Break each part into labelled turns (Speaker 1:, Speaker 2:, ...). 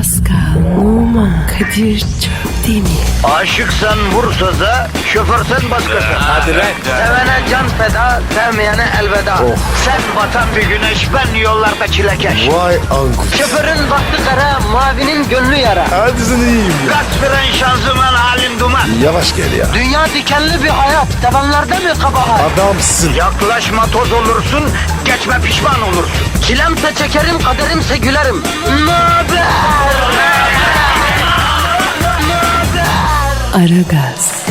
Speaker 1: Pascal, Oman, Kadir çok değil mi?
Speaker 2: Aşıksan vursa da, şoförsen başkasın.
Speaker 3: Hadi lan.
Speaker 2: Sevene can feda, sevmeyene elveda. Sen batan bir güneş, ben yollarda çilekeş.
Speaker 3: Vay anku.
Speaker 2: Şoförün baktı kara, mavinin gönlü yara.
Speaker 3: Hadi sen iyiyim ya.
Speaker 2: Kasperen şanzıman halin duman.
Speaker 3: Yavaş gel ya.
Speaker 2: Dünya dikenli bir hayat, sevenlerde mi kabahar?
Speaker 3: Adamsın.
Speaker 2: Yaklaşma toz olursun, geçme pişman olursun. Çilemse çekerim, kaderimse gülerim. Möber!
Speaker 1: Aragaz,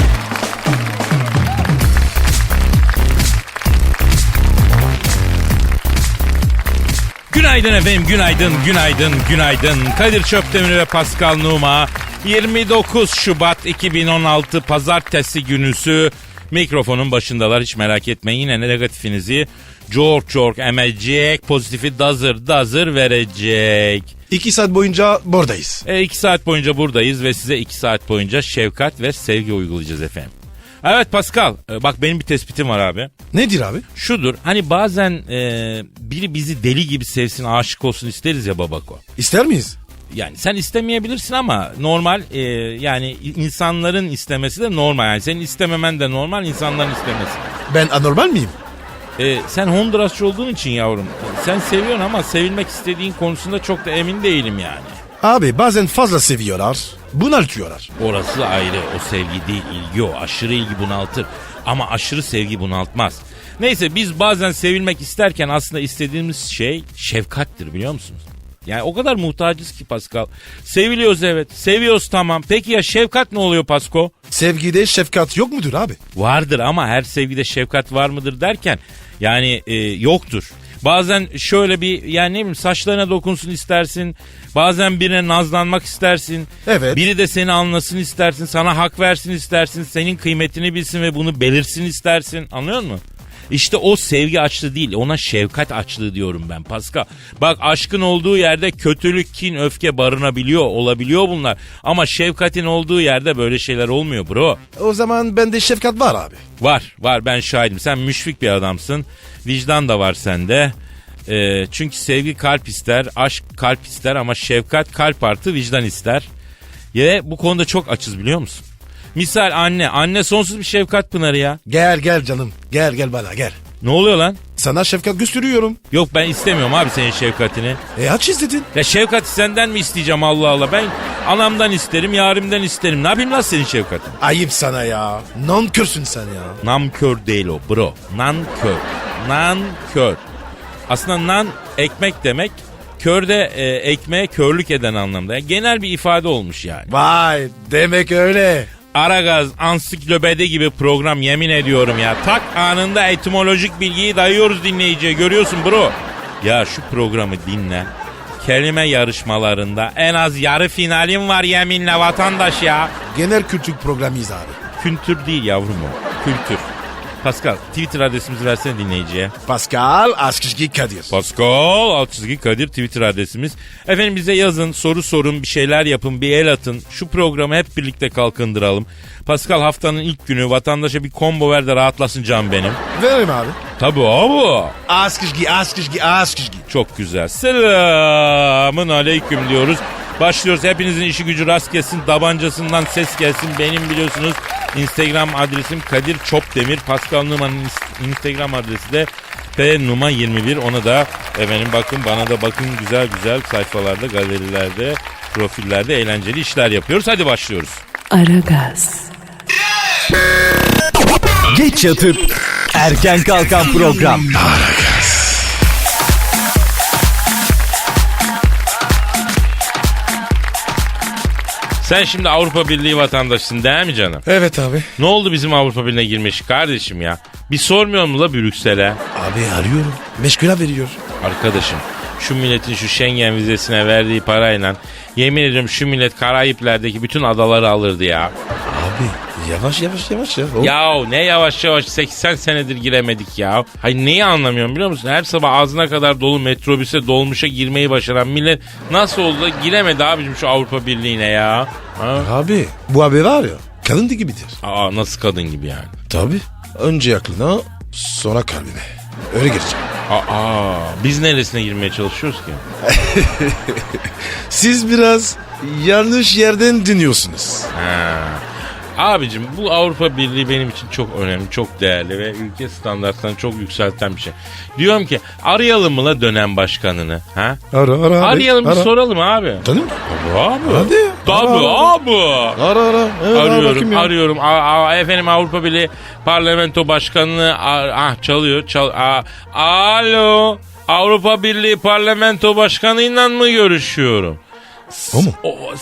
Speaker 4: Günaydın efendim, günaydın. Kadir Çöptemir ve Pascal Numa. 29 Şubat 2016 Pazartesi günüsü mikrofonun başındalar, hiç merak etmeyin. Yine negatifinizi çok emecek, pozitifi dazır verecek.
Speaker 3: 2 saat boyunca buradayız.
Speaker 4: 2 saat boyunca buradayız ve size 2 saat boyunca şefkat ve sevgi uygulayacağız efendim. Evet Pascal, bak benim bir tespitim var abi.
Speaker 3: Nedir abi?
Speaker 4: Şudur, hani bazen biri bizi deli gibi sevsin, aşık olsun isteriz ya babako.
Speaker 3: İster miyiz?
Speaker 4: Yani sen istemeyebilirsin ama normal, yani insanların istemesi de normal. Yani senin istememen de normal, insanların istemesi.
Speaker 3: Ben anormal miyim?
Speaker 4: Sen Hondurasçı olduğun için yavrum. Sen seviyorsun ama sevilmek istediğin konusunda çok da emin değilim yani.
Speaker 3: Abi bazen fazla seviyorlar, bunaltıyorlar.
Speaker 4: Orası ayrı, o sevgi değil, ilgi o. Aşırı ilgi bunaltır ama aşırı sevgi bunaltmaz. Neyse, biz bazen sevilmek isterken aslında istediğimiz şey şefkattir, biliyor musunuz? Yani o kadar muhtacız ki Pascal. Seviliyoruz, evet, seviyoruz, tamam. Peki ya şefkat ne oluyor Pasko?
Speaker 3: Sevgide şefkat yok mudur abi?
Speaker 4: Vardır ama her sevgide şefkat var mıdır derken yani yoktur. Bazen şöyle bir, yani ne bileyim, saçlarına dokunsun istersin. Bazen birine nazlanmak istersin.
Speaker 3: Evet.
Speaker 4: Biri de seni anlasın istersin. Sana hak versin istersin. Senin kıymetini bilsin ve bunu belirsin istersin. Anlıyor musun? İşte o sevgi açlığı değil, ona şefkat açlığı diyorum ben Pascal. Bak, aşkın olduğu yerde kötülük, kin, öfke barınabiliyor, olabiliyor bunlar. Ama şefkatin olduğu yerde böyle şeyler olmuyor bro.
Speaker 3: O zaman bende şefkat var abi.
Speaker 4: Var, ben şahidim. Sen müşfik bir adamsın. Vicdan da var sende. Çünkü sevgi kalp ister, aşk kalp ister ama şefkat kalp artı vicdan ister. Ve bu konuda çok açız, biliyor musun? Misal anne sonsuz bir şefkat pınarı ya.
Speaker 3: Gel canım, gel bana gel.
Speaker 4: Ne oluyor lan?
Speaker 3: Sana şefkat gösteriyorum.
Speaker 4: Yok, ben istemiyorum abi senin şefkatini.
Speaker 3: Aç istedin.
Speaker 4: Ya şefkati senden mi isteyeceğim, Allah Allah? Ben anamdan isterim, yarimden isterim. Ne yapayım lan senin şefkatin?
Speaker 3: Ayıp sana ya. Nankörsün sen ya.
Speaker 4: Nankör değil o bro. Nankör. Aslında nan ekmek demek. Kör de ekmeğe körlük eden anlamda. Yani genel bir ifade olmuş yani.
Speaker 3: Vay, demek öyle.
Speaker 4: Aragaz ansiklopedi gibi program, yemin ediyorum ya. Tak anında etimolojik bilgiyi dayıyoruz dinleyiciye, görüyorsun bro. Ya şu programı dinle. Kelime yarışmalarında en az yarı finalim var yeminle vatandaş ya.
Speaker 3: Genel kültür programıyız abi.
Speaker 4: Kültür değil yavrum o. Kültür. Pascal, Twitter adresimizi versene dinleyiciye.
Speaker 3: Pascal Askışki Kadir.
Speaker 4: Pascal _ Kadir Twitter adresimiz. Efendim bize yazın, soru sorun, bir şeyler yapın, bir el atın. Şu programı hep birlikte kalkındıralım. Pascal, haftanın ilk günü vatandaşa bir combo ver de rahatlasın canım benim.
Speaker 3: Verim abi.
Speaker 4: Tabii abi.
Speaker 3: Askışki.
Speaker 4: Çok güzel. Selamın aleyküm diyoruz. Başlıyoruz. Hepinizin işi gücü rast gelsin. Tabancasından ses gelsin. Benim biliyorsunuz Instagram adresim Kadir Çopdemir. Pascal Numa'nın Instagram adresi de pnuma21. Ona da efendim bakın, bana da bakın, güzel sayfalarda, galerilerde, profillerde eğlenceli işler yapıyoruz. Hadi başlıyoruz.
Speaker 1: Aragaz,
Speaker 5: Geç yatıp erken kalkan program.
Speaker 4: Sen şimdi Avrupa Birliği vatandaşısın değil mi canım?
Speaker 3: Evet abi.
Speaker 4: Ne oldu bizim Avrupa Birliği'ne girmiş kardeşim ya? Bir sormuyor mu la Brüksel'e?
Speaker 3: Abi arıyorum. Meşgule veriyor.
Speaker 4: Arkadaşım, şu milletin şu Schengen vizesine verdiği parayla yemin ediyorum şu millet Karayipler'deki bütün adaları alırdı ya.
Speaker 3: Abi yavaş ya.
Speaker 4: Yahu ne yavaş 80 senedir giremedik ya. Hayır, neyi anlamıyorum biliyor musun? Her sabah ağzına kadar dolu metrobüse, dolmuşa girmeyi başaran millet nasıl oldu da giremedi abicim şu Avrupa Birliği'ne ya? Ha?
Speaker 3: Abi bu abi var ya, kadın gibidir.
Speaker 4: Nasıl kadın gibi yani?
Speaker 3: Tabii. Önce aklına, sonra kalbine. Öyle girecek.
Speaker 4: Biz neresine girmeye çalışıyoruz ki?
Speaker 3: Siz biraz yanlış yerden dinliyorsunuz.
Speaker 4: Abicim bu Avrupa Birliği benim için çok önemli, çok değerli ve ülke standartlarını çok yükselten bir şey. Diyorum ki arayalım mı la dönem başkanını? Ha?
Speaker 3: Ara.
Speaker 4: Arayalım bir
Speaker 3: ara.
Speaker 4: soralım abi.
Speaker 3: Tanım?
Speaker 4: Abi.
Speaker 3: Hadi.
Speaker 4: Tabii abi.
Speaker 3: Ara. Evet,
Speaker 4: Arıyorum,
Speaker 3: ya.
Speaker 4: arıyorum. Efendim Avrupa Birliği Parlamento Başkanı'nı çalıyor. Alo. Avrupa Birliği Parlamento Başkanı'yla mı görüşüyorum?
Speaker 3: O mu?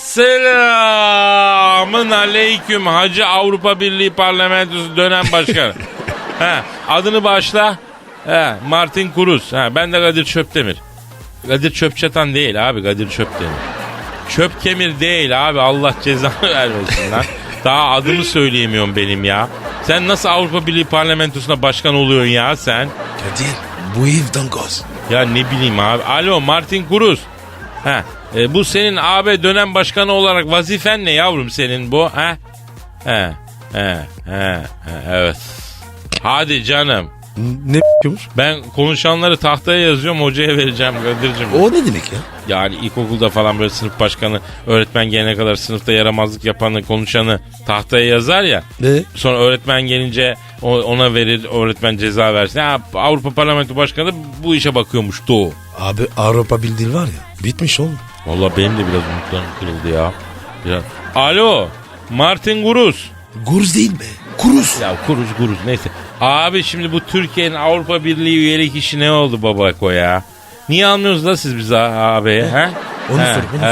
Speaker 4: Selamın aleyküm Hacı Avrupa Birliği Parlamentosu dönem başkanı. Adını bağışla. Martin Kuruz. Ben de Kadir Çöptemir. Kadir Çöpçatan değil abi, Kadir Çöptemir. Çöpkemir değil abi, Allah cezanı vermesin lan. Daha adımı söyleyemiyorum benim ya. Sen nasıl Avrupa Birliği Parlamentosu'na başkan oluyorsun ya sen?
Speaker 3: Kadir bu evden gaz.
Speaker 4: Ya ne bileyim abi. Alo Martin Kuruz. Bu senin AB dönem başkanı olarak vazifen ne yavrum senin bu? Evet. Hadi canım.
Speaker 3: Ne yapıyormuş?
Speaker 4: Ben konuşanları tahtaya yazıyorum, hocaya vereceğim Kadir'cim.
Speaker 3: O ne demek ya?
Speaker 4: Yani ilkokulda falan böyle sınıf başkanı, öğretmen gelene kadar sınıfta yaramazlık yapanı, konuşanı tahtaya yazar ya.
Speaker 3: Ne?
Speaker 4: Sonra öğretmen gelince ona verir, öğretmen ceza versin. Avrupa Parlamento Başkanı bu işe bakıyormuştu o.
Speaker 3: Abi Avrupa Birliği var ya, bitmiş oğlum.
Speaker 4: Vallahi benim de biraz umutlarım kırıldı ya. Alo Martin Kuruz.
Speaker 3: Guruz değil be. Kuruz.
Speaker 4: Ya kuruz neyse. Abi şimdi bu Türkiye'nin Avrupa Birliği üyelik işi ne oldu babako ya? Niye almıyorsunuz da siz bizi abi?
Speaker 3: Onu sor.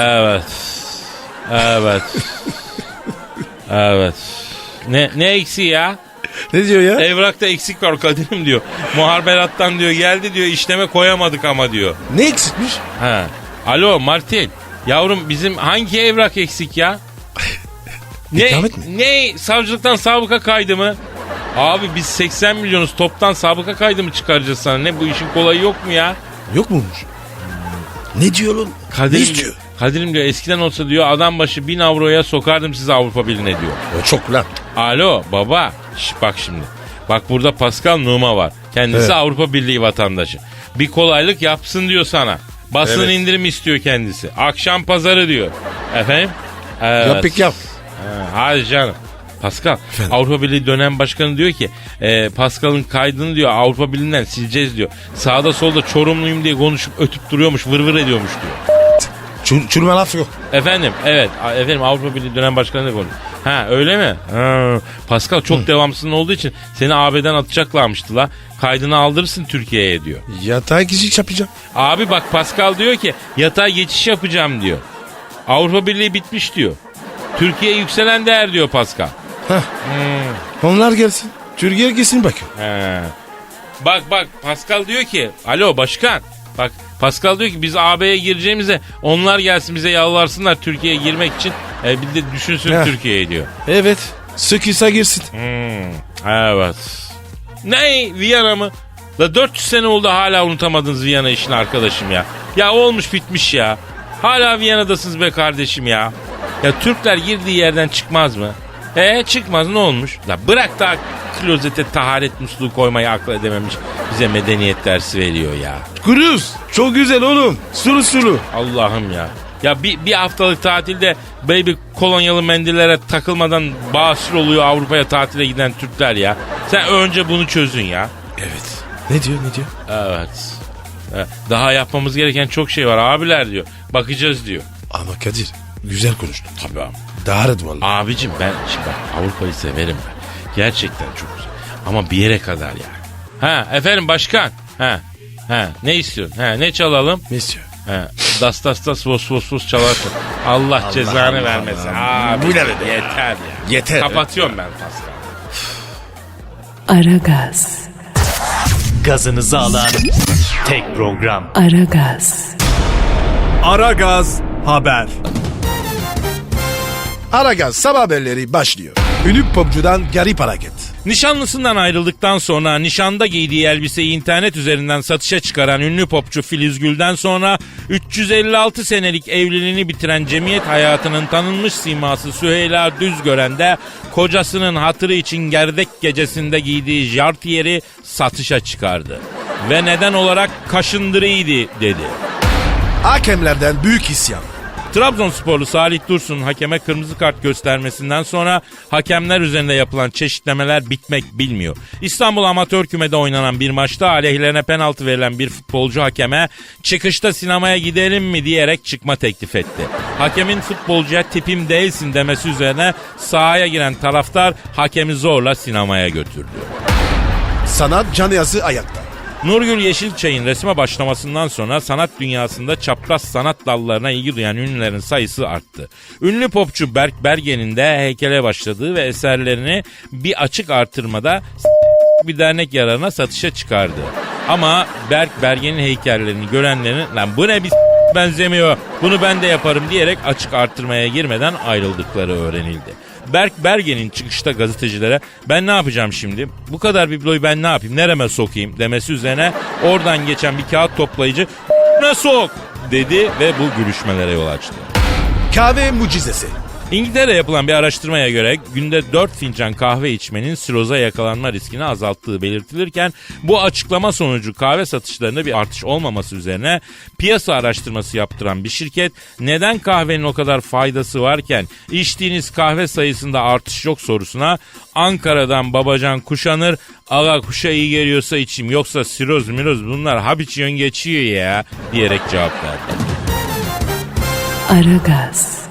Speaker 4: Evet. Ne eksiği ya?
Speaker 3: Ne diyor ya?
Speaker 4: Evrakta eksik var Kadir'im diyor. Muharberattan diyor geldi diyor, işleme koyamadık ama diyor.
Speaker 3: Ne eksikmiş?
Speaker 4: Alo Martin. Yavrum bizim hangi evrak eksik ya?
Speaker 3: İkamet mi?
Speaker 4: Ne? Savcılıktan sabıka kaydı mı? Abi biz 80 milyonuz, toptan sabıka kaydı mı çıkaracağız sana? Ne, bu işin kolayı yok mu ya?
Speaker 3: Yok muymuş? Ne diyor oğlum? Ne istiyor?
Speaker 4: Kadir'im diyor eskiden olsa diyor adam başı 1000 avroya sokardım sizi Avrupa Birliği'ne diyor.
Speaker 3: O çok lan.
Speaker 4: Alo baba. Bak şimdi. Bak burada Pascal Numa var. Kendisi
Speaker 3: Evet.
Speaker 4: Avrupa Birliği vatandaşı. Bir kolaylık yapsın diyor sana. Basın
Speaker 3: Evet.
Speaker 4: indirim istiyor kendisi. Akşam pazarı diyor. Efendim? Evet.
Speaker 3: Yap pek yap.
Speaker 4: Hadi canım. Pascal,
Speaker 3: Efendim?
Speaker 4: Avrupa Birliği dönem başkanı diyor ki Pascal'ın kaydını diyor Avrupa Birliği'nden sileceğiz diyor. Sağda solda Çorumluyum diye konuşup ötüp duruyormuş, vır ediyormuş diyor.
Speaker 3: Çürüme laf yok.
Speaker 4: Efendim Avrupa Birliği dönem başkanı da konuşuyor. Öyle mi? Pascal çok devamsızın olduğu için seni AB'den atacaklarmıştı la. Kaydını aldırırsın Türkiye'ye diyor.
Speaker 3: Yatağa geçiş yapacağım.
Speaker 4: Abi bak Pascal diyor ki yatağa geçiş yapacağım diyor. Avrupa Birliği bitmiş diyor. Türkiye yükselen değer diyor Pascal.
Speaker 3: Onlar gelsin. Türkiye gelsin bakın.
Speaker 4: Bak Pascal diyor ki alo başkan. Bak Pascal diyor ki biz AB'ye gireceğimize onlar gelsin bize yalvarsınlar Türkiye'ye girmek için. Bir de düşünsün Türkiye'ye diyor.
Speaker 3: Evet. Sıkıysa girsin.
Speaker 4: Evet. Ne Viyana mı? La 400 sene oldu hala unutamadınız Viyana işini arkadaşım ya. Ya olmuş bitmiş ya. Hala Viyana'dasınız be kardeşim ya. Ya Türkler girdiği yerden çıkmaz mı? Çıkmaz ne olmuş? La bırak da klozete taharet musluğu koymayı akıl edememiş. Bize medeniyet dersi veriyor ya.
Speaker 3: Kuruz. Çok güzel oğlum. Sulu.
Speaker 4: Allah'ım ya. Ya bir haftalık tatilde baby kolonyalı mendillere takılmadan basur oluyor Avrupa'ya tatile giden Türkler ya. Sen önce bunu çözün ya.
Speaker 3: Evet. Ne diyor?
Speaker 4: Evet. Daha yapmamız gereken çok şey var abiler diyor. Bakacağız diyor.
Speaker 3: Ama Kadir güzel konuştun.
Speaker 4: Tabii abi.
Speaker 3: Dağırdı vallahi.
Speaker 4: Abicim ben şimdi bak Avrupa'yı severim ben. Gerçekten çok güzel. Ama bir yere kadar yani. Efendim başkan. Ne istiyorsun? Ne çalalım?
Speaker 3: Ne istiyor?
Speaker 4: Das vos çalarsın. Allah cezanı vermesin. Abi
Speaker 3: Bu ne be?
Speaker 4: yeter ya.
Speaker 3: Yeter.
Speaker 4: Kapatıyorum ben Pascal.
Speaker 1: Aragaz,
Speaker 5: Gazınızı alan tek program.
Speaker 1: Aragaz,
Speaker 5: Aragaz Haber.
Speaker 3: Aragaz sabah haberleri başlıyor. Ünlü popçudan garip hareket.
Speaker 4: Nişanlısından ayrıldıktan sonra nişanda giydiği elbiseyi internet üzerinden satışa çıkaran ünlü popçu Filiz Gül'den sonra 356 senelik evliliğini bitiren cemiyet hayatının tanınmış siması Süheyla Düzgören de kocasının hatırı için gerdek gecesinde giydiği jartiyeri satışa çıkardı. ve neden olarak kaşındırıydı dedi.
Speaker 3: Hakemlerden büyük isyan.
Speaker 4: Trabzonsporlu Salih Dursun'un hakeme kırmızı kart göstermesinden sonra hakemler üzerinde yapılan çeşitlemeler bitmek bilmiyor. İstanbul Amatör Küme'de oynanan bir maçta aleyhlerine penaltı verilen bir futbolcu hakeme çıkışta sinemaya gidelim mi diyerek çıkma teklif etti. Hakemin futbolcuya tipim değilsin demesi üzerine sahaya giren taraftar hakemi zorla sinemaya götürdü.
Speaker 3: Sanat camiası ayakta.
Speaker 4: Nurgül Yeşilçay'ın resme başlamasından sonra sanat dünyasında çapraz sanat dallarına ilgi duyan ünlülerin sayısı arttı. Ünlü popçu Berk Bergen'in de heykele başladığı ve eserlerini bir açık artırmada bir dernek yararına satışa çıkardı. Ama Berk Bergen'in heykellerini görenlerin lan bu ne bir benzemiyor bunu ben de yaparım diyerek açık artırmaya girmeden ayrıldıkları öğrenildi. Berk Bergen'in çıkışta gazetecilere ben ne yapacağım şimdi? Bu kadar bibloyu ben ne yapayım? Nereme sokayım? Demesi üzerine oradan geçen bir kağıt toplayıcı ne sok dedi ve bu gülüşmelere yol açtı.
Speaker 3: Kahve mucizesi.
Speaker 4: İngiltere'de yapılan bir araştırmaya göre günde 4 fincan kahve içmenin siroza yakalanma riskini azalttığı belirtilirken bu açıklama sonucu kahve satışlarında bir artış olmaması üzerine piyasa araştırması yaptıran bir şirket neden kahvenin o kadar faydası varken içtiğiniz kahve sayısında artış yok sorusuna Ankara'dan Babacan Kuşanır aga kuşa iyi geliyorsa içeyim yoksa siroz miroz bunlar hap içiyorsun geçiyor ya diyerek cevap verdi.
Speaker 1: Aragaz.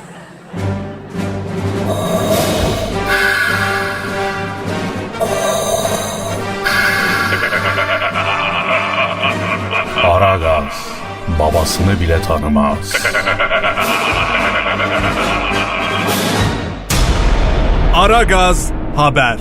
Speaker 6: Aragaz babasını bile tanımaz.
Speaker 5: Aragaz haber.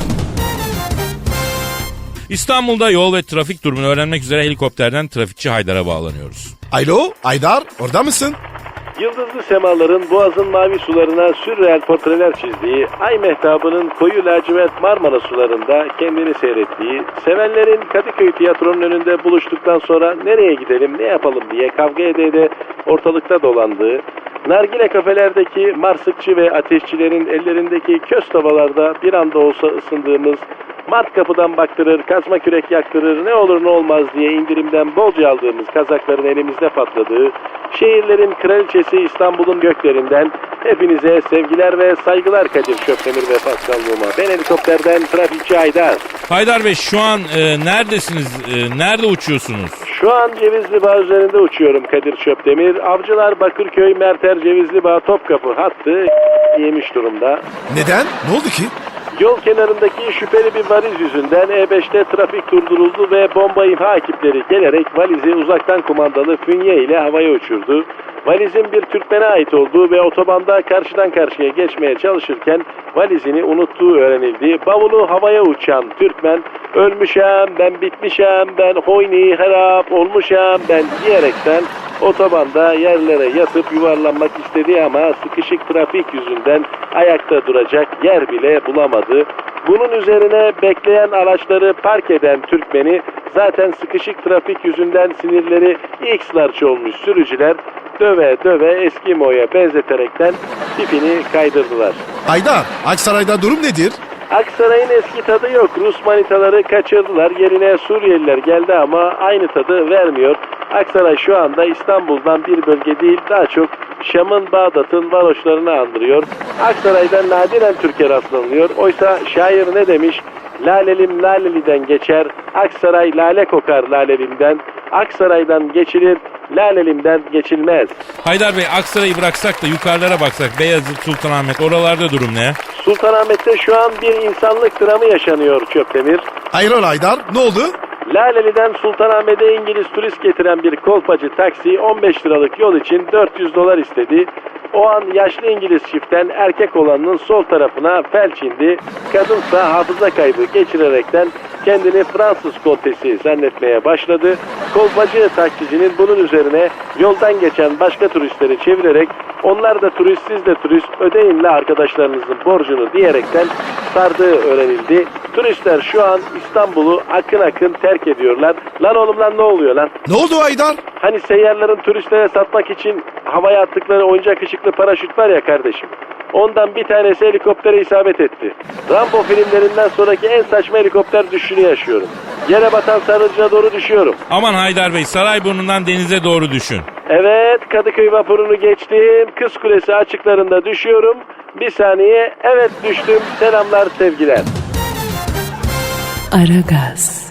Speaker 4: İstanbul'da yol ve trafik durumunu öğrenmek üzere helikopterden trafikçi Haydar'a bağlanıyoruz.
Speaker 3: Alo Aydar orada mısın?
Speaker 7: Yıldızlı semaların boğazın mavi sularına sürreel portreler çizdiği, ay mehtabının koyu lacivert Marmara sularında kendini seyrettiği, sevenlerin Kadıköy tiyatronun önünde buluştuktan sonra nereye gidelim ne yapalım diye kavga ede ortalıkta dolandığı, nargile kafelerdeki marsıkçı ve ateşçilerin ellerindeki köz tavalarda bir anda olsa ısındığımız, mart kapıdan baktırır, kazma kürek yaktırır, ne olur ne olmaz diye indirimden bolca aldığımız kazakların elimizde patladığı, şehirlerin kraliçesi İstanbul'un göklerinden hepinize sevgiler ve saygılar Kadir Çöptemir ve Pascal Numa. Ben helikopterden trafikçi Haydar.
Speaker 4: Haydar Bey şu an neredesiniz? Nerede uçuyorsunuz?
Speaker 7: Şu an Cevizli Bağ üzerinde uçuyorum Kadir Çöptemir. Avcılar Bakırköy Merter Cevizli Bağ Topkapı hattı yemiş durumda.
Speaker 3: Neden? Ne oldu ki?
Speaker 7: Yol kenarındaki şüpheli bir valiz yüzünden E5'te trafik durduruldu ve bomba imha ekipleri gelerek valizi uzaktan kumandalı fünye ile havaya uçurdu. Valizin bir Türkmen'e ait olduğu ve otobanda karşıdan karşıya geçmeye çalışırken valizini unuttuğu öğrenildi. Bavulu havaya uçan Türkmen, ölmüşem, ben bitmişem, ben hoyni harap olmuşam ben diyerekten otobanda yerlere yatıp yuvarlanmak istedi ama sıkışık trafik yüzünden ayakta duracak yer bile bulamadı. Bunun üzerine bekleyen araçları park eden Türkmen'i zaten sıkışık trafik yüzünden sinirleri X-larç olmuş sürücüler döve döve Eskimo'ya benzeterekten tipini kaydırdılar.
Speaker 3: Aydar Aksaray'da durum nedir?
Speaker 7: Aksaray'ın eski tadı yok. Rus manitaları kaçırdılar. Yerine Suriyeliler geldi ama aynı tadı vermiyor. Aksaray şu anda İstanbul'dan bir bölge değil, daha çok Şam'ın, Bağdat'ın varoşlarını andırıyor. Aksaray'dan nadiren Türkiye rastlanılıyor. Oysa şair ne demiş? Lalelim Laleli'den geçer, Aksaray lale kokar Lalelim'den. Aksaray'dan geçilir, Lalelim'den geçilmez.
Speaker 4: Haydar Bey Aksaray'ı bıraksak da yukarılara baksak Beyazıt, Sultanahmet oralarda durum ne?
Speaker 7: Sultanahmet'te şu an bir insanlık dramı yaşanıyor Çöptemir.
Speaker 3: Hayrola Aydar ne oldu?
Speaker 7: Laleli'den Sultanahmet'e İngiliz turist getiren bir kolpacı taksi 15 liralık yol için 400 dolar istedi. O an yaşlı İngiliz çiftten erkek olanın sol tarafına felç indi. Kadınsa hafıza kaybı geçirerekten kendini Fransız kontesi zannetmeye başladı. Kolpacı taksicinin bunun üzerine yoldan geçen başka turistleri çevirerek onlar da turist siz de turist ödeyin la arkadaşlarınızın borcunu diyerekten sardığı öğrenildi. Turistler şu an İstanbul'u akın akın terk ediyorlar. Lan oğlum lan ne oluyor lan?
Speaker 3: Ne oldu Aydar?
Speaker 7: Hani seyyarların turistlere satmak için havaya attıkları oyuncak ışıklı paraşüt var ya kardeşim. Ondan bir tanesi helikoptere isabet etti. Rambo filmlerinden sonraki en saçma helikopter düşüşünü yaşıyorum. Yere batan sarıcına doğru düşüyorum.
Speaker 4: Aman Haydar Bey, Sarayburnu'ndan denize doğru düşün.
Speaker 7: Evet, Kadıköy vapurunu geçtim. Kız Kulesi açıklarında düşüyorum. Bir saniye, evet düştüm. Selamlar, sevgiler.
Speaker 1: Aragaz,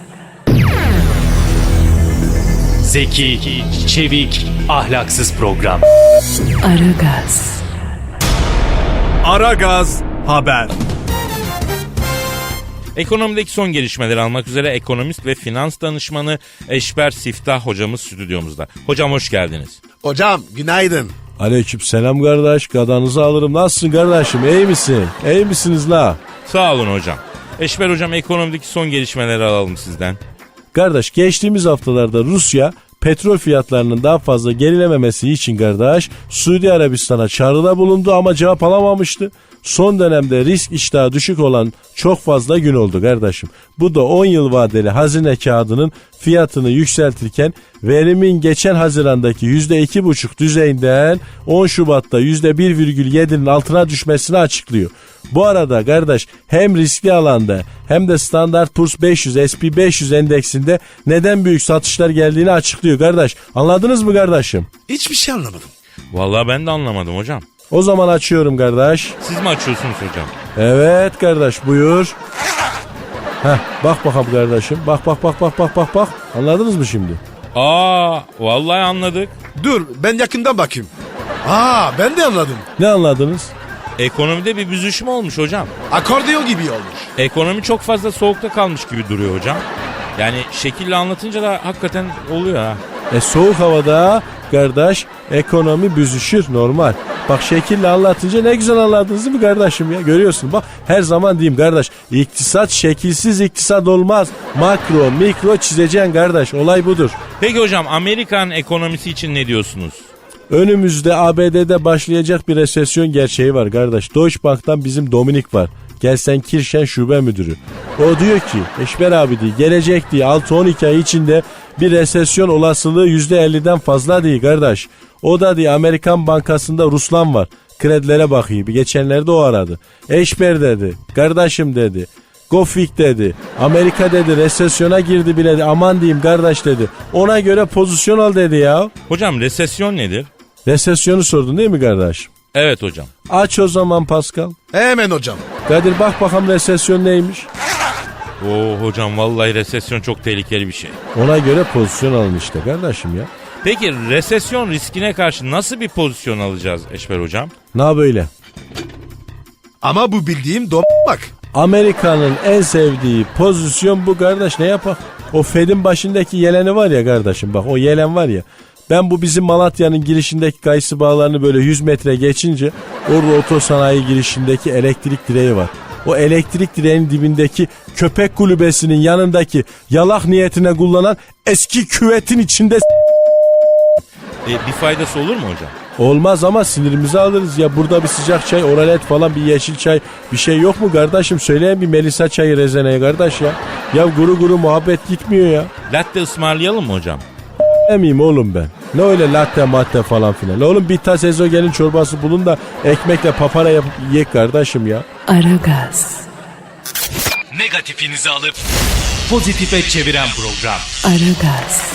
Speaker 5: Zeki, çevik, ahlaksız program.
Speaker 1: Aragaz,
Speaker 5: Aragaz haber.
Speaker 4: Ekonomideki son gelişmeleri almak üzere ekonomist ve finans danışmanı Eşber Siftah hocamız stüdyomuzda. Hocam hoş geldiniz.
Speaker 3: Hocam günaydın.
Speaker 8: Aleyküm selam kardeş. Gadanızı alırım. Nasılsın kardeşim? İyi misin? İyi misiniz la?
Speaker 4: Sağ olun hocam. Eşber hocam, ekonomideki son gelişmeleri alalım sizden.
Speaker 8: Kardeş, geçtiğimiz haftalarda Rusya petrol fiyatlarının daha fazla gerilememesi için kardeş Suudi Arabistan'a çağrıda bulundu ama cevap alamamıştı. Son dönemde risk iştahı düşük olan çok fazla gün oldu kardeşim. Bu da 10 yıl vadeli hazine kağıdının fiyatını yükseltirken verimin geçen Haziran'daki %2,5 düzeyinden 10 Şubat'ta %1,7'nin altına düşmesini açıklıyor. Bu arada kardeş hem riskli alanda hem de Standard Poor's 500 SP500 endeksinde neden büyük satışlar geldiğini açıklıyor kardeş. Anladınız mı kardeşim?
Speaker 3: Hiçbir şey anlamadım.
Speaker 4: Vallahi ben de anlamadım hocam.
Speaker 8: O zaman açıyorum kardeş.
Speaker 4: Siz mi açıyorsunuz hocam?
Speaker 8: Evet kardeş, buyur. Heh, bak bakalım kardeşim. Bak. Anladınız mı şimdi?
Speaker 4: Aa, vallahi anladık.
Speaker 3: Dur ben yakından bakayım. Ben de anladım.
Speaker 8: Ne anladınız?
Speaker 4: Ekonomide bir büzüşme olmuş hocam.
Speaker 3: Akordeon gibi olmuş.
Speaker 4: Ekonomi çok fazla soğukta kalmış gibi duruyor hocam. Yani şekille anlatınca da hakikaten oluyor ha.
Speaker 8: Soğuk havada kardeş ekonomi büzüşür, normal. Bak şekille anlatınca ne güzel anladınız değil mi kardeşim ya? Görüyorsun bak, her zaman diyeyim kardeş, iktisat şekilsiz iktisat olmaz. Makro mikro çizeceksin kardeş, olay budur.
Speaker 4: Peki hocam, Amerikan ekonomisi için ne diyorsunuz?
Speaker 8: Önümüzde ABD'de başlayacak bir resesyon gerçeği var kardeş. Deutsche Bank'tan bizim Dominik var. Gelsen Kirşen şube müdürü. O diyor ki Eşber abi diye gelecek diye 6-12 ay içinde bir resesyon olasılığı %50'den fazla değil kardeş. O da diye Amerikan Bankası'nda Ruslan var. Kredilere bakıyor. Geçenlerde o aradı. Eşber dedi. Kardeşim dedi. Gofik dedi. Amerika dedi resesyona girdi bile dedi. Aman diyeyim kardeş dedi. Ona göre pozisyon al dedi ya.
Speaker 4: Hocam resesyon nedir?
Speaker 8: Resesyonu sordun değil mi kardeş?
Speaker 4: Evet hocam.
Speaker 8: Aç o zaman Pascal.
Speaker 3: Hemen hocam.
Speaker 8: Kadir bak bakalım resesyon neymiş?
Speaker 4: Oo hocam, vallahi resesyon çok tehlikeli bir şey.
Speaker 8: Ona göre pozisyon alın işte kardeşim ya.
Speaker 4: Peki resesyon riskine karşı nasıl bir pozisyon alacağız Eşber hocam?
Speaker 8: Na böyle.
Speaker 3: Ama bu bildiğim bak.
Speaker 8: Amerika'nın en sevdiği pozisyon bu kardeş, ne yapar? O Fed'in başındaki yeleni var ya kardeşim, bak o yelen var ya. Ben bu bizim Malatya'nın girişindeki kayısı bağlarını böyle 100 metre geçince orada otosanayi girişindeki elektrik direği var. O elektrik direğinin dibindeki köpek kulübesinin yanındaki yalak niyetine kullanan eski küvetin içinde
Speaker 4: Bir faydası olur mu hocam?
Speaker 8: olmaz ama sinirimizi alırız ya. Burada bir sıcak çay, oralet falan, bir yeşil çay, bir şey yok mu kardeşim? Söyleyin bir Melisa çayı rezeneye kardeş ya. Ya guru muhabbet gitmiyor ya.
Speaker 4: Latte ısmarlayalım mı hocam?
Speaker 8: Emeyim oğlum ben. Ne öyle latte matte falan filan. Oğlum bir tas ezogelin çorbası bulun da ekmekle papara yapıp yiyek kardeşim ya.
Speaker 1: Aragaz,
Speaker 5: Negatifinizi alıp pozitife çeviren program.
Speaker 1: Aragaz,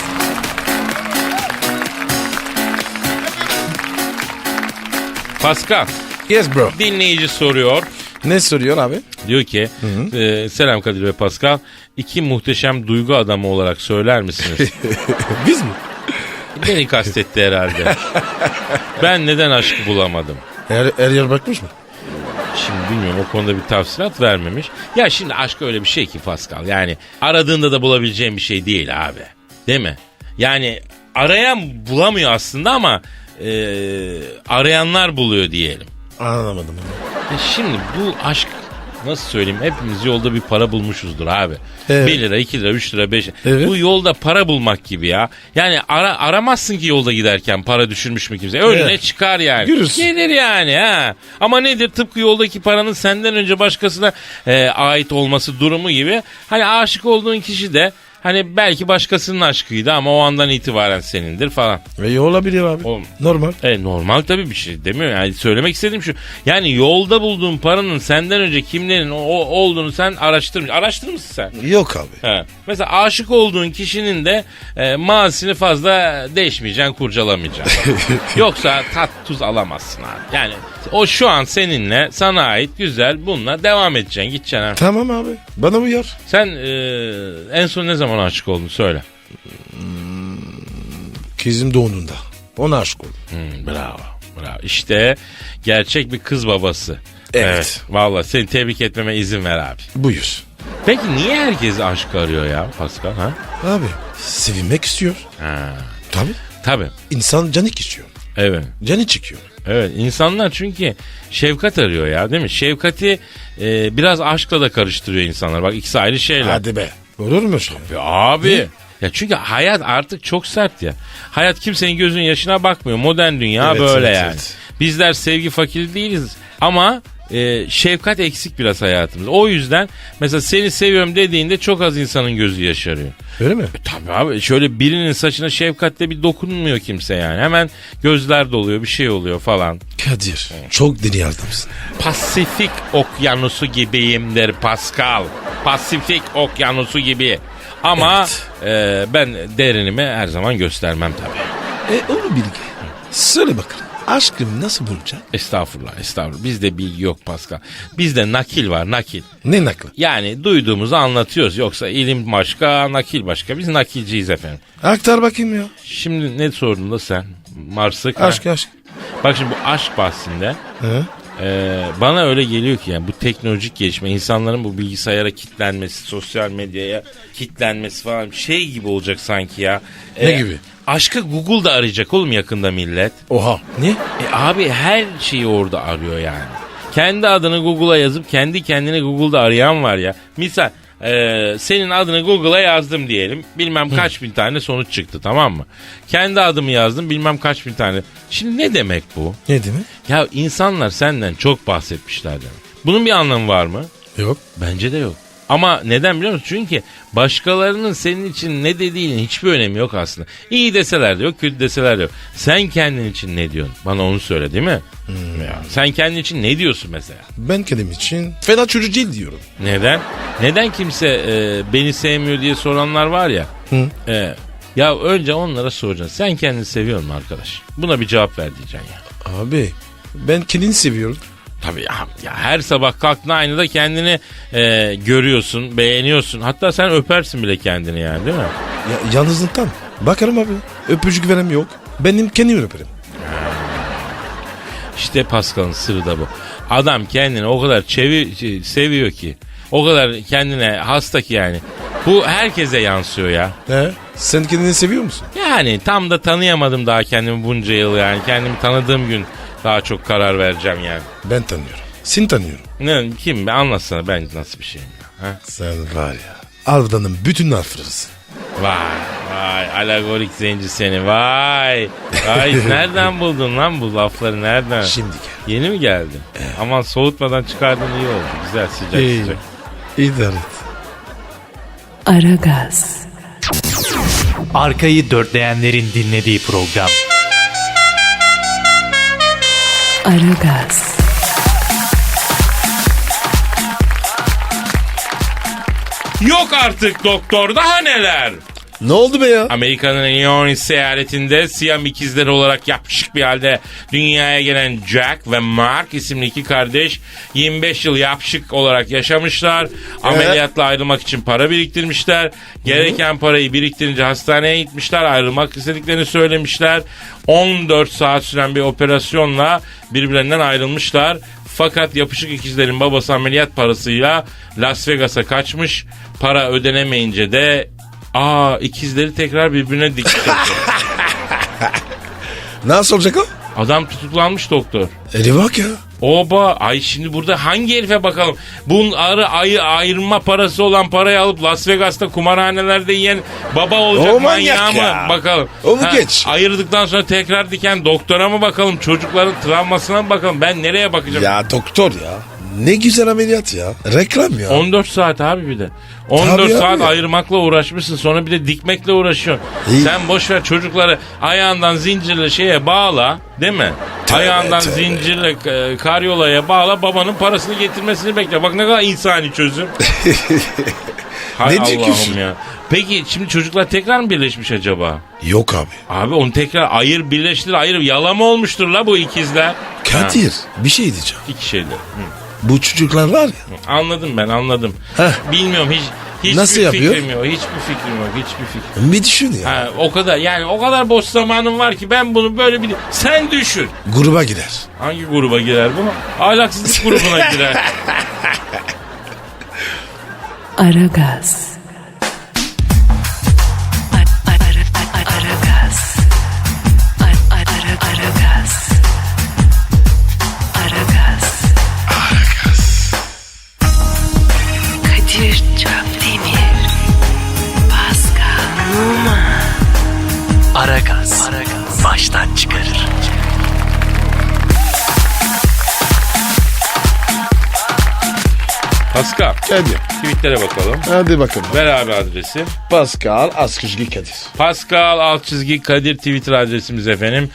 Speaker 4: Pascal,
Speaker 3: Yes bro.
Speaker 4: dinleyici soruyor.
Speaker 3: Ne soruyor abi?
Speaker 4: Diyor ki selam Kadir ve Pascal, iki muhteşem duygu adamı olarak söyler misiniz?
Speaker 3: Biz mi?
Speaker 4: Beni kastetti herhalde. Ben neden aşkı bulamadım?
Speaker 3: Er yer bakmış mı?
Speaker 4: Şimdi bilmiyorum, o konuda bir tavsilat vermemiş. Ya şimdi aşk öyle bir şey ki Pascal, yani aradığında da bulabileceğin bir şey değil abi. Değil mi? Yani arayan bulamıyor aslında ama arayanlar buluyor diyelim.
Speaker 3: Anlamadım.
Speaker 4: Şimdi bu aşk, nasıl söyleyeyim, hepimiz yolda bir para bulmuşuzdur abi.
Speaker 3: Evet.
Speaker 4: 1 lira, 2 lira, 3 lira, 5 lira.
Speaker 3: Evet.
Speaker 4: Bu yolda para bulmak gibi ya. Yani aramazsın ki yolda giderken para düşürmüş mü kimse. Önüne
Speaker 3: Evet.
Speaker 4: çıkar yani.
Speaker 3: Görürsün.
Speaker 4: Gelir yani ha. Ama nedir? Tıpkı yoldaki paranın senden önce başkasına ait olması durumu gibi. Hani aşık olduğun kişi de Hani belki başkasının aşkıydı ama o andan itibaren senindir falan.
Speaker 3: Olabilir abi.
Speaker 4: Oğlum.
Speaker 3: Normal.
Speaker 4: Normal tabii bir şey demiyor. Yani söylemek istediğim şu. Yani yolda bulduğun paranın senden önce kimlerin olduğunu sen araştırmışsın sen.
Speaker 3: Yok abi.
Speaker 4: He. Mesela aşık olduğun kişinin de mazisini fazla değişmeyeceksin, kurcalamayacaksın. Yoksa tat tuz alamazsın abi. Yani o şu an seninle, sana ait güzel, bununla devam edeceksin, gideceksin abi.
Speaker 3: Tamam abi. Bana uyar.
Speaker 4: Sen en son ne zaman aşık oldun söyle.
Speaker 3: Kızım doğduğunda. Ona aşık oldum.
Speaker 4: Bravo. İşte gerçek bir kız babası.
Speaker 3: Evet.
Speaker 4: Vallahi seni tebrik etmeme izin ver abi.
Speaker 3: Buyur.
Speaker 4: Peki niye herkes aşk arıyor ya Pascal? Ha?
Speaker 3: Abi sevinmek istiyor.
Speaker 4: Ha.
Speaker 3: Tabii. İnsan canı istiyor.
Speaker 4: Evet.
Speaker 3: Canı çıkıyor.
Speaker 4: Evet, insanlar çünkü şefkat arıyor ya, değil mi? Şefkati biraz aşkla da karıştırıyor insanlar. Bak ikisi ayrı şeyler.
Speaker 3: Hadi be. Olur mu şey?
Speaker 4: Ya abi. Ya çünkü hayat artık çok sert ya. Hayat kimsenin gözünün yaşına bakmıyor. Modern dünya
Speaker 3: Evet,
Speaker 4: böyle
Speaker 3: evet,
Speaker 4: yani.
Speaker 3: evet.
Speaker 4: Bizler sevgi fakiri değiliz ama şefkat eksik biraz hayatımızda. O yüzden mesela seni seviyorum dediğinde çok az insanın gözü yaşarıyor.
Speaker 3: Öyle mi?
Speaker 4: Tabii abi, şöyle birinin saçına şefkatle bir dokunmuyor kimse yani. Hemen gözler doluyor, bir şey oluyor falan.
Speaker 3: Kadir. Çok deli adamsın.
Speaker 4: Pasifik okyanusu gibiyimdir Pascal. Pasifik okyanusu gibi. Ama ben derinimi her zaman göstermem tabii.
Speaker 3: Onu bilgi. Söyle bakalım. Aşkım nasıl bulacak?
Speaker 4: Estağfurullah. Bizde bilgi yok Pascal. Bizde nakil var, nakil.
Speaker 3: Ne naklı?
Speaker 4: Yani duyduğumuzu anlatıyoruz. Yoksa ilim başka, nakil başka. Biz nakilciyiz efendim.
Speaker 3: Aktar bakayım ya.
Speaker 4: Şimdi ne sordun da sen? Marsık.
Speaker 3: Aşk.
Speaker 4: Bak şimdi bu aşk bahsinde
Speaker 3: Hı?
Speaker 4: bana öyle geliyor ki yani bu teknolojik gelişme, insanların bu bilgisayara kitlenmesi, sosyal medyaya kitlenmesi falan şey gibi olacak sanki ya.
Speaker 3: Ne gibi?
Speaker 4: Aşkı Google'da arayacak oğlum yakında millet.
Speaker 3: Oha. Ne?
Speaker 4: Abi her şeyi orada arıyor yani. Kendi adını Google'a yazıp kendi kendine Google'da arayan var ya. Misal senin adını Google'a yazdım diyelim. Bilmem kaç bin tane sonuç çıktı, tamam mı? Kendi adımı yazdım, bilmem kaç bin tane. Şimdi ne demek bu?
Speaker 3: Ne demek?
Speaker 4: Ya insanlar senden çok bahsetmişler demek. Bunun bir anlamı var mı?
Speaker 3: Yok.
Speaker 4: Bence de yok. Ama neden biliyor musun? Çünkü başkalarının senin için ne dediğinin hiçbir önemi yok aslında. İyi deseler de yok, kötü deseler de yok. Sen kendin için ne diyorsun? Bana onu söyle, değil mi? Ya, sen kendin için ne diyorsun mesela?
Speaker 3: Ben kendim için fena çocuk değil diyorum.
Speaker 4: Neden? Neden kimse beni sevmiyor diye soranlar var ya. Ya önce onlara soracaksın. Sen kendini seviyor musun arkadaş? Buna bir cevap ver diyeceksin ya.
Speaker 3: Abi ben kendini seviyorum.
Speaker 4: Tabii ya her sabah kalktığında aynada kendini görüyorsun, beğeniyorsun. Hatta sen öpersin bile kendini yani, değil mi?
Speaker 3: Ya, yalnızlıktan. Bakarım abi. Öpücük veren yok. Benim kendimi öperim.
Speaker 4: İşte Pascal'ın sırrı da bu. Adam kendini o kadar seviyor ki. O kadar kendine hasta ki yani. Bu herkese yansıyor ya.
Speaker 3: Sen kendini seviyor musun?
Speaker 4: Yani tam da tanıyamadım daha kendimi bunca yıl yani. Kendimi tanıdığım gün daha çok karar vereceğim yani.
Speaker 3: Ben tanıyorum. Seni tanıyorum.
Speaker 4: Ne, kim? Anlatsana ben nasıl bir şeyim ya. Ha?
Speaker 3: Sen var ya. Aldanın bütün harflerisin.
Speaker 4: Vay alagorik zenci seni vay. Nereden buldun lan bu lafları nereden?
Speaker 3: Şimdi gel.
Speaker 4: Yeni mi geldin? Aman soğutmadan çıkardın iyi oldu. Güzel sıcak sıcak.
Speaker 3: İdare et.
Speaker 1: Aragaz,
Speaker 5: Arkayı dörtleyenlerin dinlediği program.
Speaker 1: Aragaz,
Speaker 4: Yok artık doktor daha neler?
Speaker 3: Ne oldu be ya?
Speaker 4: Amerika'nın Illinois seyahatinde Siyam ikizleri olarak yapışık bir halde dünyaya gelen Jack ve Mark isimli iki kardeş 25 yıl yapışık olarak yaşamışlar. Ameliyatla ayrılmak için para biriktirmişler. Gereken parayı biriktirince hastaneye gitmişler. Ayrılmak istediklerini söylemişler. 14 saat süren bir operasyonla birbirlerinden ayrılmışlar. Fakat yapışık ikizlerin babası ameliyat parasıyla Las Vegas'a kaçmış. Para ödenemeyince de ikizleri tekrar birbirine dikti.
Speaker 3: Nasıl olacak o?
Speaker 4: Adam tutuklanmış doktor.
Speaker 3: Bak ya.
Speaker 4: Oba şimdi burada hangi herife bakalım? Bunun ayırma parası olan parayı alıp Las Vegas'ta kumarhanelerde yiyen baba olacak
Speaker 3: O
Speaker 4: manyağı
Speaker 3: manyak
Speaker 4: mı
Speaker 3: ya.
Speaker 4: bakalım?
Speaker 3: Onu geç.
Speaker 4: Ayırdıktan sonra tekrar diken doktora mı bakalım? Çocukların travmasına mı bakalım? Ben nereye bakacağım?
Speaker 3: Ya doktor ya. Ne güzel ameliyat ya. Reklam ya.
Speaker 4: 14 saat abi bir de. 14
Speaker 3: Tabii
Speaker 4: saat
Speaker 3: abi.
Speaker 4: ayırmakla uğraşmışsın. Sonra bir de dikmekle uğraşıyorsun.
Speaker 3: İyi.
Speaker 4: Sen boş ver çocukları ayağından zincirle şeye bağla, değil mi? Ayağından
Speaker 3: tövbe.
Speaker 4: zincirle karyolaya bağla, babanın parasını getirmesini bekle. Bak ne kadar insani çözüm. Hay
Speaker 3: Ne diyorsun?
Speaker 4: Allah'ım ya. Peki şimdi çocuklar tekrar mı birleşmiş acaba?
Speaker 3: Yok abi.
Speaker 4: Abi onu tekrar birleştir yalama olmuştur la bu ikizler.
Speaker 3: Kadir bir şey diyeceğim.
Speaker 4: İki şeyler. Hı.
Speaker 3: Bu çocuklar var ya.
Speaker 4: Anladım ben anladım.
Speaker 3: Heh.
Speaker 4: Bilmiyorum hiçbir
Speaker 3: Nasıl yapıyor?
Speaker 4: fikrim yok. Hiçbir fikrim.
Speaker 3: Bir düşün ya.
Speaker 4: Ha, o kadar boş zamanım var ki ben bunu böyle bir... Sen düşün.
Speaker 3: Gruba gider.
Speaker 4: Hangi gruba girer bu? Ahlaksızlık grubuna girer.
Speaker 1: Aragaz. Aragaz. Aragaz. Kadir Çöpdemir. Pascal Numa.
Speaker 5: Aragaz. Baştan çıkarır.
Speaker 4: Pascal,
Speaker 3: Kadir.
Speaker 4: tweetlere bakalım.
Speaker 3: Hadi bakalım.
Speaker 4: Ver abi adresi.
Speaker 3: Pascal Askışgi Kadir.
Speaker 4: Pascal _Kadir Twitter adresimiz efendim.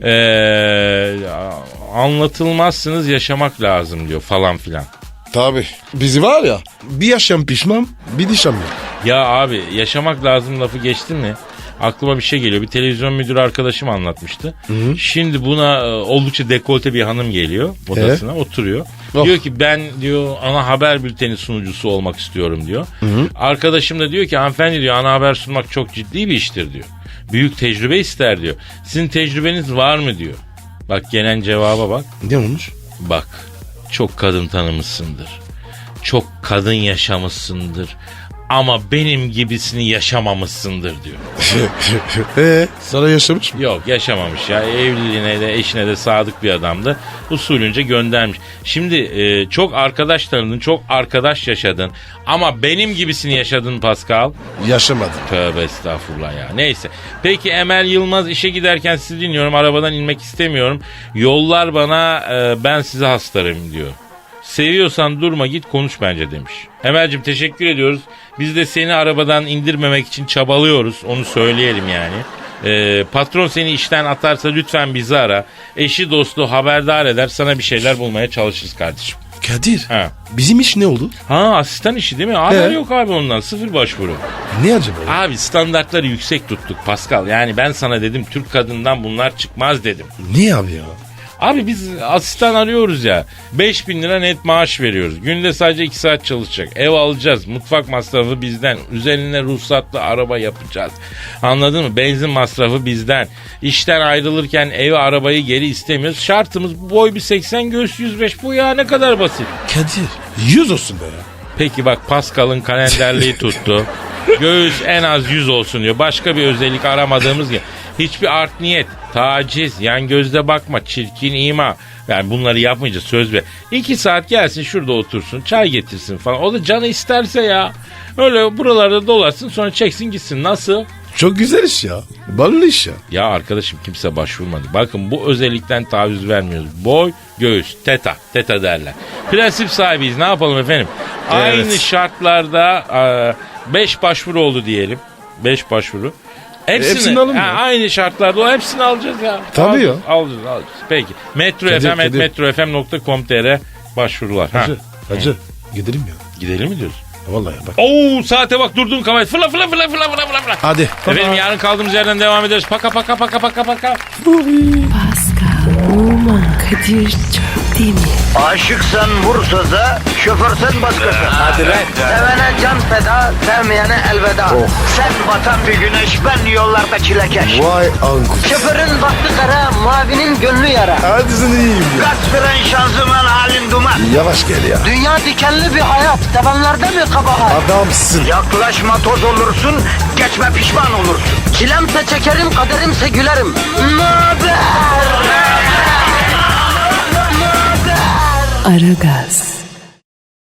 Speaker 4: Anlatılmazsınız yaşamak lazım diyor falan filan.
Speaker 3: Tabii. Bizi var ya bir yaşam pişman bir dişam yok.
Speaker 4: Ya abi yaşamak lazım lafı geçti mi? Aklıma bir şey geliyor. Bir televizyon müdürü arkadaşım anlatmıştı. Şimdi buna oldukça dekolte bir hanım geliyor odasına oturuyor.
Speaker 3: Oh.
Speaker 4: Diyor ki ben diyor ana haber bülteni sunucusu olmak istiyorum diyor. Arkadaşım da diyor ki hanımefendi diyor ana haber sunmak çok ciddi bir iştir diyor. Büyük tecrübe ister diyor. Sizin tecrübeniz var mı diyor. Bak gelen cevaba bak.
Speaker 3: Ne olmuş?
Speaker 4: Bak çok kadın tanımışsındır. Çok kadın yaşamışsındır. Ama benim gibisini yaşamamışsındır diyor.
Speaker 3: Sana yaşamış mı?
Speaker 4: Yok yaşamamış ya. Evliliğine de eşine de sadık bir adamdı. Usulünce göndermiş. Şimdi çok arkadaş tanıdın, çok arkadaş yaşadın. Ama benim gibisini yaşadın Pascal.
Speaker 3: Yaşamadım.
Speaker 4: Tövbe estağfurullah ya. Neyse. Peki Emel Yılmaz işe giderken sizi dinliyorum. Arabadan inmek istemiyorum. Yollar bana ben size hastarım diyor. Seviyorsan durma git konuş bence demiş. Emel'cim teşekkür ediyoruz. Biz de seni arabadan indirmemek için çabalıyoruz. Onu söyleyelim yani. Patron seni işten atarsa lütfen bizi ara. Eşi dostu haberdar eder. Sana bir şeyler bulmaya çalışırız kardeşim.
Speaker 3: Kadir.
Speaker 4: Ha.
Speaker 3: Bizim iş ne oldu?
Speaker 4: Ha asistan işi değil mi? Haber
Speaker 3: He.
Speaker 4: yok abi ondan. Sıfır başvuru.
Speaker 3: Ne acaba?
Speaker 4: Abi standartları yüksek tuttuk Pascal. Yani ben sana dedim Türk kadından bunlar çıkmaz dedim.
Speaker 3: Niye abi ya?
Speaker 4: Abi biz asistan arıyoruz ya. 5.000 lira net maaş veriyoruz. Günde sadece 2 saat çalışacak. Ev alacağız. Mutfak masrafı bizden. Üzerine ruhsatlı araba yapacağız. Anladın mı? Benzin masrafı bizden. İşten ayrılırken evi arabayı geri istemiyoruz. Şartımız boy bir 80 göğüs 105. Bu ya ne kadar basit.
Speaker 3: Kadir 100 olsun be ya.
Speaker 4: Peki bak Pascal'ın kalenderliği tuttu. Göğüs en az 100 olsun diyor. Başka bir özellik aramadığımız gibi. Hiçbir art niyet, taciz, yan gözle bakma, çirkin ima. Yani bunları yapmayacağız söz ver. 2 saat gelsin şurada otursun, çay getirsin falan. O da canı isterse ya. Öyle buralarda dolaşsın sonra çeksin gitsin. Nasıl?
Speaker 3: Çok güzel iş ya. Ballı iş ya.
Speaker 4: Ya arkadaşım kimse başvurmadı. Bakın bu özellikten taviz vermiyoruz. Boy, göğüs, teta derler. Prensip sahibiyiz ne yapalım efendim? Aynı şartlarda 5 başvuru oldu diyelim. 5 başvuru.
Speaker 3: Hepsini alın mı?
Speaker 4: Aynı şartlarda hepsini alacağız ya.
Speaker 3: Tabii ya.
Speaker 4: Alacağız. Peki.
Speaker 3: Kadir.
Speaker 4: metrofm.com.tr başvurular.
Speaker 3: Hacı gidelim ya.
Speaker 4: Gidelim mi diyoruz?
Speaker 3: Vallahi bak.
Speaker 4: Oo saate bak durdun kamerayı. Fırla.
Speaker 3: Hadi.
Speaker 4: Efendim yarın kaldığımız yerden devam ederiz. Paka.
Speaker 1: Pascal Numa. Kadir Çöpdemir.
Speaker 2: Aşıksan vursa da, şoförsen başkasın. Hadi
Speaker 3: lan.
Speaker 2: Sevene can feda, sevmeyene elveda. Sen batan bir güneş, ben yollarda çilekeş.
Speaker 3: Vay anku.
Speaker 2: Şoförün baktı kara, mavinin gönlü yara.
Speaker 3: Hadi sen iyiyim ya.
Speaker 2: Kasperen şanzıman halin duman.
Speaker 3: Yavaş gel ya.
Speaker 2: Dünya dikenli bir hayat, sevenlerde mi kabahar?
Speaker 3: Adamsın.
Speaker 2: Yaklaşma toz olursun, geçme pişman olursun. Çilemse çekerim, kaderimse gülerim. Möber!
Speaker 1: Aragaz.